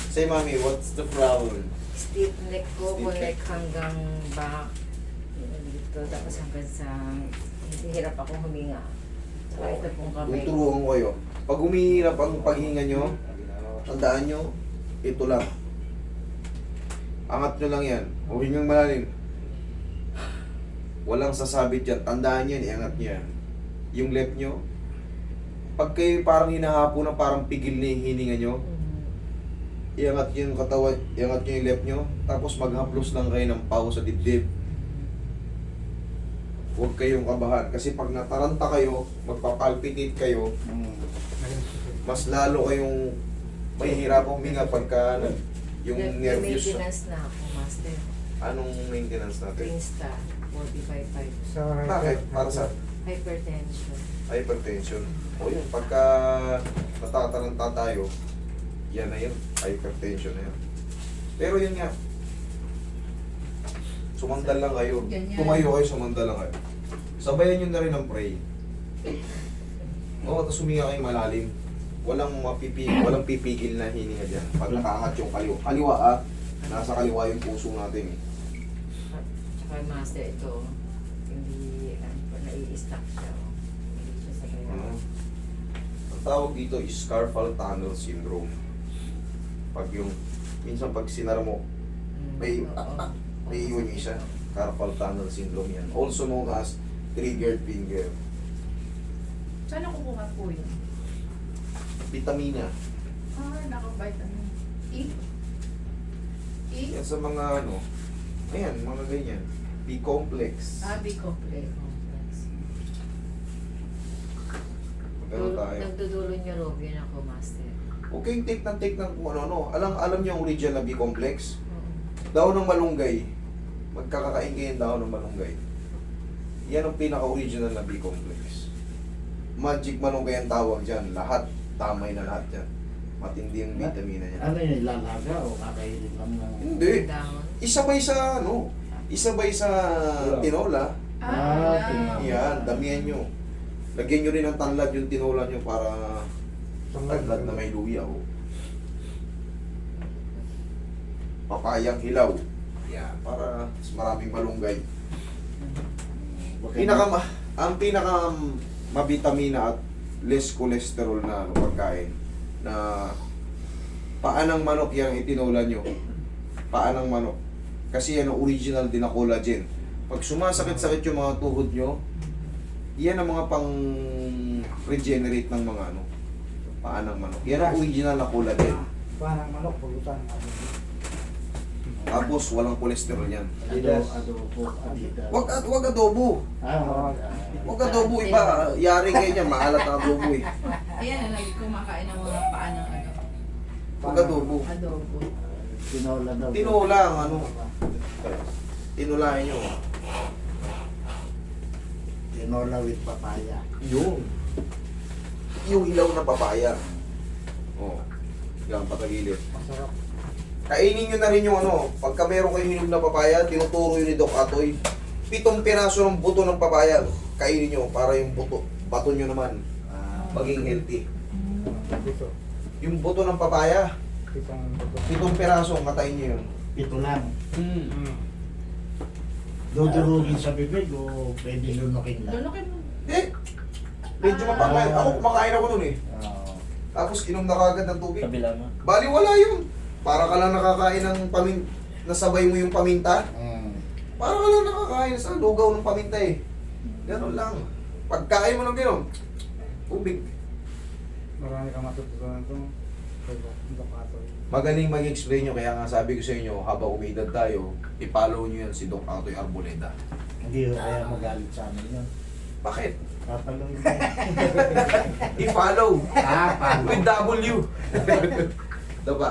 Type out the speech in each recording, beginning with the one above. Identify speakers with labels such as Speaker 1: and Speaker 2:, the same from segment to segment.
Speaker 1: Say, Mami, what's the problem?
Speaker 2: Stiff neck ko,
Speaker 1: Stiff neck.
Speaker 2: neck hanggang back. Dito, tapos hanggang sa... Hirap akong huminga. Saka ito pong kamay.
Speaker 1: Tuturuan ko kayo. Pag humihirap ang paghinga nyo, tandaan nyo, ito lang. Angat nyo lang yan. O hingang malalim. Walang sasabit yan. Tandaan yan, iangat nyo yan. Yung left nyo, pag kayo parang hinahapo na parang pigil na yung hininga nyo, iangat nyo yung katawan, iangat nyo yung left nyo, tapos maghaplos lang kayo ng pao sa dibdib. Huwag kayong kabahan. Kasi pag nataranta kayo, magpapalpitate kayo, mas lalo kayong mahihirap huminga pagka yung nervous.
Speaker 2: Maintenance na ako, master.
Speaker 1: Anong maintenance natin?
Speaker 2: Prinsta, 45.5.
Speaker 3: So,
Speaker 1: Bakit? Para sa
Speaker 2: Hypertension.
Speaker 1: hypertension. O yun, pagka natataranta tayo, yan na yun, hypertension na yun. Pero yun nga, sumandal lang kayo.
Speaker 2: Ganyan.
Speaker 1: Tumayo kayo, sumandal lang kayo. Sabayan nyo na rin ang pray. Oo, tapos huminga kayo malalim. Walang pipigil na hininga dyan. Pag nakaangat yung kaliwa. Kaliwa nasa kaliwa yung puso natin.
Speaker 2: Tsaka master ito, hindi, nai-stack siya. Hindi siya sa kaya.
Speaker 1: Ang tawag dito is carpal tunnel syndrome. Pag yung, minsan pag sinara mo, may iwan yung isa. Carpal tunnel syndrome yan. Also known as triggered finger.
Speaker 4: Saan ako kukuha po yun?
Speaker 1: Vitamina.
Speaker 4: Naka-vitamin E? E?
Speaker 1: Yan sa mga ayan, mga ganyan. B-complex.
Speaker 4: B-complex.
Speaker 1: Magano tayo.
Speaker 2: Nagdudulo niyo Robin ako, master.
Speaker 1: Okay, take ng kung ano. Alam niyo ang original na B-complex?
Speaker 2: Oo.
Speaker 1: Daon ng malunggay. Magkakakain kayo ng daon ng malunggay. Yan ang pinaka-original na B-complex. Magic malunggay ang tawag dyan. Lahat, tamay na lahat yan. Matindi yung vitamina niya.
Speaker 3: Ano yun, lalaga o kakainin lang ng...
Speaker 1: Hindi.
Speaker 2: Down.
Speaker 1: Isabay sa isabay sa tinola. Yan, damihan nyo. Lagyan nyo rin ng tanlad yung tinola nyo para tanlad na may luya. Papayang hilaw. Yan, para mas maraming malunggay. Ang pinaka mabitamina at less cholesterol na pagkain na paanang manok yung itinola nyo. Paanang manok. Kasi yan ang original din na collagen. Pag sumasakit-sakit yung mga tuhod nyo, yan ang mga pang-regenerate ng mga paanang manok. Yan ang original na collagen.
Speaker 3: Parang manok, pulutan.
Speaker 1: Tapos walang cholesterol yan.
Speaker 3: Adobo, adidas.
Speaker 1: Wag adobo. Wag adobo iba. Yari kayo niyan, maalat ang adobo eh.
Speaker 4: Ayan, lagi kumakain ng mga paa ng
Speaker 1: Wag adobo.
Speaker 4: adobo.
Speaker 3: Tinola daw.
Speaker 1: Tinola ang tinulahin nyo.
Speaker 3: Tinola with papaya.
Speaker 1: Yung ilaw na papaya. Yan, patagilid.
Speaker 3: Masarap.
Speaker 1: Kainin nyo na rin yung pagka meron kayo hinog na papaya, tinuturo yun ni Doc Atoy. 7 piraso ng buto ng papaya, kainin nyo para yung bato nyo naman maging healthy.
Speaker 3: Dito.
Speaker 1: Yung buto ng papaya,
Speaker 3: Pitong buto.
Speaker 1: 7 piraso, matayin nyo yun.
Speaker 3: Pito lang. Dudurugin sa bibig o pwede lunukin lang?
Speaker 4: Lunukin mo.
Speaker 1: Medyo mapakain. Ako kumakain ako nun eh.
Speaker 3: Oo.
Speaker 1: Tapos inom na kagad ng tubig.
Speaker 5: Kabila mo.
Speaker 1: Bali wala yun. Para ka lang nakakain ng nasabay mo yung paminta. Para ka lang nakakain sa lugaw ng paminta eh. Ganon lang. Pagkain mo ng gano'n, tubig.
Speaker 3: Marami kang matutunan ito.
Speaker 1: Magaling mag-explain nyo, kaya nga sabi ko sa inyo, habang umidad tayo, i-follow nyo yan si Doc Atoy Arboleda.
Speaker 3: Hindi ko kaya magalit sa amin yun.
Speaker 1: Bakit?
Speaker 3: Papaloy mo.
Speaker 1: I-follow!
Speaker 3: Follow.
Speaker 1: With W! Diba?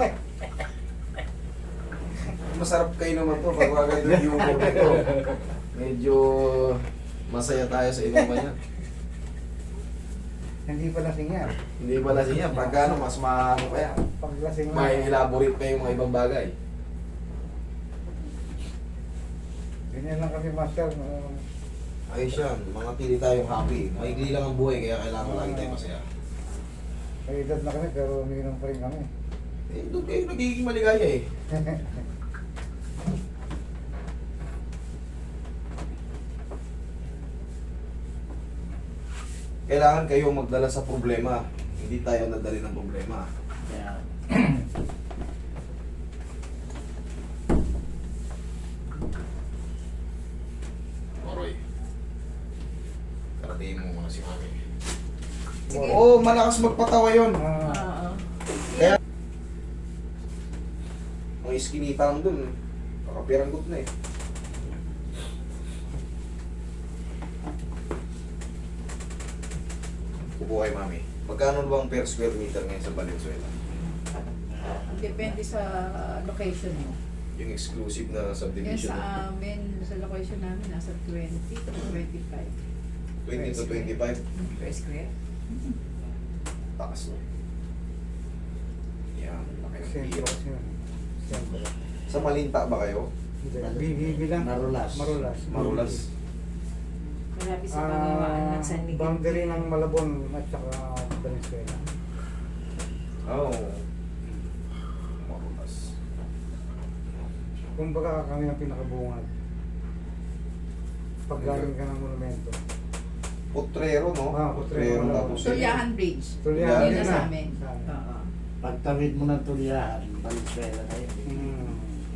Speaker 1: Masarap kayo naman to pag wagad yung humor nito. Medyo masaya tayo sa inuman yan.
Speaker 3: Hindi pa lasing yan.
Speaker 1: Hindi pa lasing yan. Pagka mas maano pa yan.
Speaker 3: Pag lasing
Speaker 1: May elaborate pa yung mga ibang bagay.
Speaker 3: Ganyan lang kami, master.
Speaker 1: Ayos yan. Mga tili tayong happy. Maigli lang ang buhay kaya kailangan lagi tayo masaya.
Speaker 3: May edad na kami pero umiinom pa rin kami.
Speaker 1: Eh, doon kayo nagiging maligaya eh. Kailangan kayong magdala sa problema. Hindi tayo nadali ng problema.
Speaker 3: Kaya,
Speaker 1: Oroy. Karatiin mo muna si Mami.
Speaker 4: Sige.
Speaker 1: Oo, malakas magpatawa yun.
Speaker 3: ah,
Speaker 4: Oo.
Speaker 1: Ang iskinita lang dun. Nakapiranggot na eh. Upo kay Mami. Magkano ba ang per square meter ngayon sa Valenzuela?
Speaker 4: Depende sa location mo.
Speaker 1: Yung exclusive na
Speaker 4: Yan
Speaker 1: subdivision.
Speaker 4: sa amin, sa location namin, nasa 20 to 25.
Speaker 1: 20 to 25.
Speaker 2: Per square.
Speaker 1: Takas no. Yan, laki ng
Speaker 5: Siyempre
Speaker 1: piro.
Speaker 5: kasi yun. Siyempre.
Speaker 1: Sa Malinta ba kayo?
Speaker 5: Bilang
Speaker 3: Marulas.
Speaker 5: Marulas.
Speaker 1: Marulas.
Speaker 2: Malapit sa pangawaan ng San Miguel.
Speaker 5: Boundary ng Malabon at saka Venezuela.
Speaker 1: Oh. Marulas.
Speaker 5: Kumbaga kami ang pinakabungad. Pag galing ka ng monumento.
Speaker 1: Potrero, no?
Speaker 5: Ah, Potrero.
Speaker 1: Tapos
Speaker 4: Tulyahan Bridge.
Speaker 5: Tulyahan
Speaker 4: Yun na
Speaker 5: din
Speaker 4: sa
Speaker 5: na.
Speaker 4: amin.
Speaker 5: Sa amin.
Speaker 4: Oo.
Speaker 3: pagtawid mo ng Tulyahan, Valenzuela na yun.
Speaker 5: Hmm.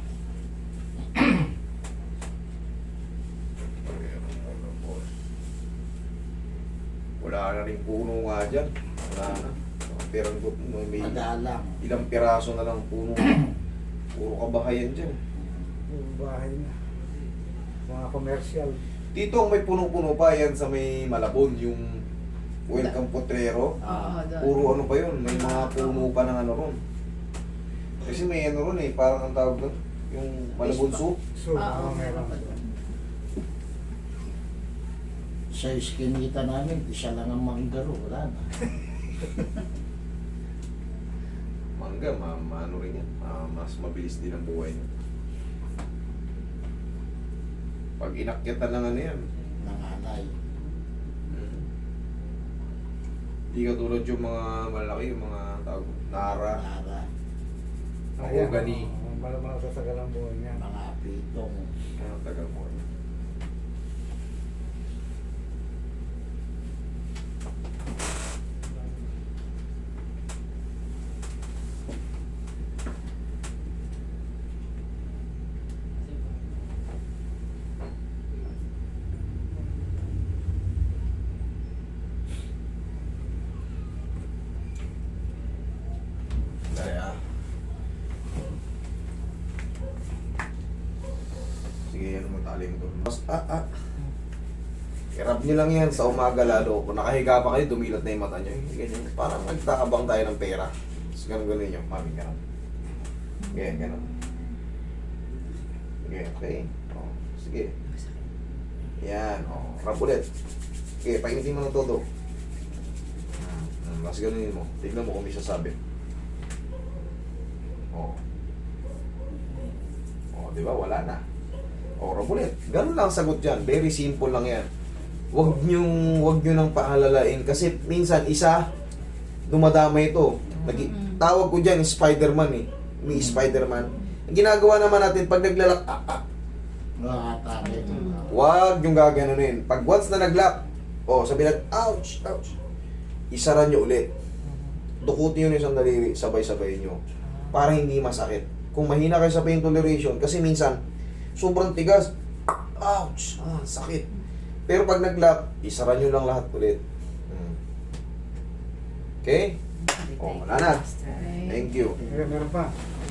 Speaker 1: Wala na rin puno nga dyan. Wala na. Piranggot mo. May
Speaker 3: Madalang.
Speaker 1: ilang piraso na lang puno. Puro kabahayan dyan.
Speaker 5: Yung bahay na. Mga commercial.
Speaker 1: Dito ang may puno-puno pa yan sa may Malabon, yung Welcome Potrero.
Speaker 4: Oo, doon.
Speaker 1: Puro ano pa yun, may mga puno pa ng ano ron. Kasi may ano ron eh, parang ang tawag doon, yung Malabon soup.
Speaker 5: So,
Speaker 4: Oo,
Speaker 5: meron.
Speaker 4: meron pa doon.
Speaker 3: Sa iskinita namin, isa lang ang manggaro, wala na.
Speaker 1: Mangga, ano rin yan, mas mabilis din ang buhay niya. Pag inakyatan ng ano yan,
Speaker 3: Nanganay.
Speaker 1: hindi katulad yung mga malaki, yung mga tawag, Nara,
Speaker 3: Nara.
Speaker 1: Mahogany.
Speaker 5: Malamang sa sagalang buhay niya.
Speaker 3: Mga pitong.
Speaker 1: ano tagal mo. Dali ah. Sige, ano mo tali mo doon. I-rub nyo lang yan sa umaga lalo. Kung nakahiga pa kayo, dumilat na yung mata nyo. Ganyan. Parang nagtakabang tayo ng pera. Tapos ganun nyo. Mami, ganun. Ganyan, ganun. Sige, okay. Oh, sige. Yan. Oh, rub ulit. Okay, painitin mo ng todo. Mas ganunin mo. Tignan mo kung may sasabi. Oh. Oh, di ba? Wala na. Oh, rub ulit. Ganun lang ang sagot dyan. Very simple lang yan. Wag nyo nang paalalain kasi minsan isa dumadama ito. Tawag ko dyan Spider-Man eh. May Spider-Man. Ang ginagawa naman natin pag naglalak,
Speaker 3: Nakatake.
Speaker 1: wag yung gaganunin. Pag once na naglock, oh, sabi natin, ouch, ouch. Isara nyo ulit. Dukutin nyo yung isang daliri, sabay-sabay nyo. Para hindi masakit. Kung mahina kayo sa pain toleration, kasi minsan, sobrang tigas, ouch, sakit. Pero pag nag-lock, isara nyo lang lahat ulit. Okay? Oh, wala na. Thank you.
Speaker 5: Meron pa.